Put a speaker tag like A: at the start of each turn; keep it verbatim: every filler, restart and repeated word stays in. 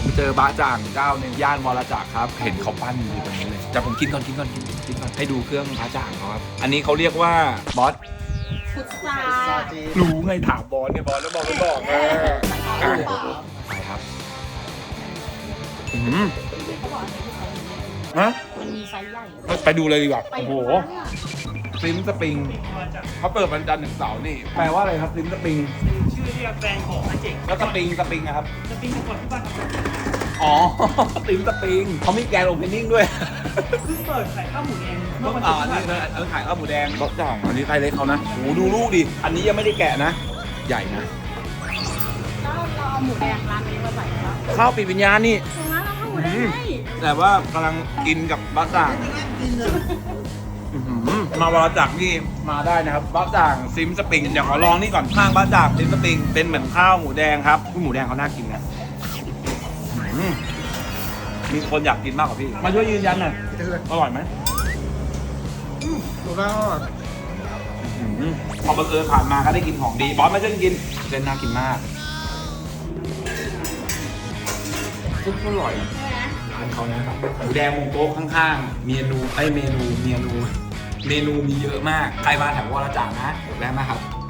A: ผมไปเจอบะจ่างเจ้าหนึ่งย่านวรจักรครับเห็นเขาปั้นอยู่ตรงนี้เลยแต่ผมกินก่อนกินก่อนกินก่อนกินก่อนให้ดูเครื่องบะจ่างเขาครับอันนี้เขาเรียกว่าบอส
B: พุทรา
A: รู้ไงถามบอสเนี่ยบอสแล้วบอสไม่บอกไงไปครับอืมฮะ
B: มันมีไซส์ใหญ่
A: ไปดูเลยดีกว่า
B: ไป
A: โอ้โห
B: ดูนะ
A: ซิมสปริงเขาเปิดวันจันทร์ถึงเสาร์นี่แปลว่าอะไรครับซิมสปริง
C: ชื่อเรียกแฟนของอาเจก
A: แล้วสปริงสปริงนะครับ
C: จะปิ้งก่อนที่บ้านครับ
A: อ๋อซิมสปริงเขามีแกนโอเพนนิ่งด้วย
C: เพิ่งเปิดขายข้าวหมูแดงเมื่อวัน
A: อ่า
C: ที่
A: นี่
C: ผ่านมา
A: เออขายข้าวหมูแดงรสจ่างอันนี้ไส้เล็กเขานะโหดูลูกดิอันนี้ยังไม่ได้แกะนะ ใหญ่นะ
B: แล้วเราเอาหมูแดงร้านนี้มาใส่ครับ
A: ข้าวปีวิญญาณนี่
B: ตรงนั้นเราเอาหมูแดงให้
A: แต่ว่ากำลังกินกับบะจ่างอื้อหือมาวรจักรนี่มาได้นะครับบะจ่างซิมสปริงเดี๋ยวขอลองนี่ก่อนข้างบะจ่างซิมสปริงเป็นเหมือนข้าวหมูแดงครับหมูแดงเขาน่ากินนะอื้อหือมีคนอยากกินมากกว่าพี่มาช่วยยืนยันหน่อยอร่อยไหม
D: ถูกต้อง
A: อื้อหือพอบังเอิญผ่านมาก็ได้กินของดีบอสมาช่วยกินเส้นน่ากินมากซุปอร่อย
B: ใช่ไหม
A: ร้านเขานะครับหมูแดงวงโต๊ะข้างๆ เมนูไอ้ยเมนูเมนู เมนูมีเยอะมาก ใครมาแถววรจักรนะแวะมาครับ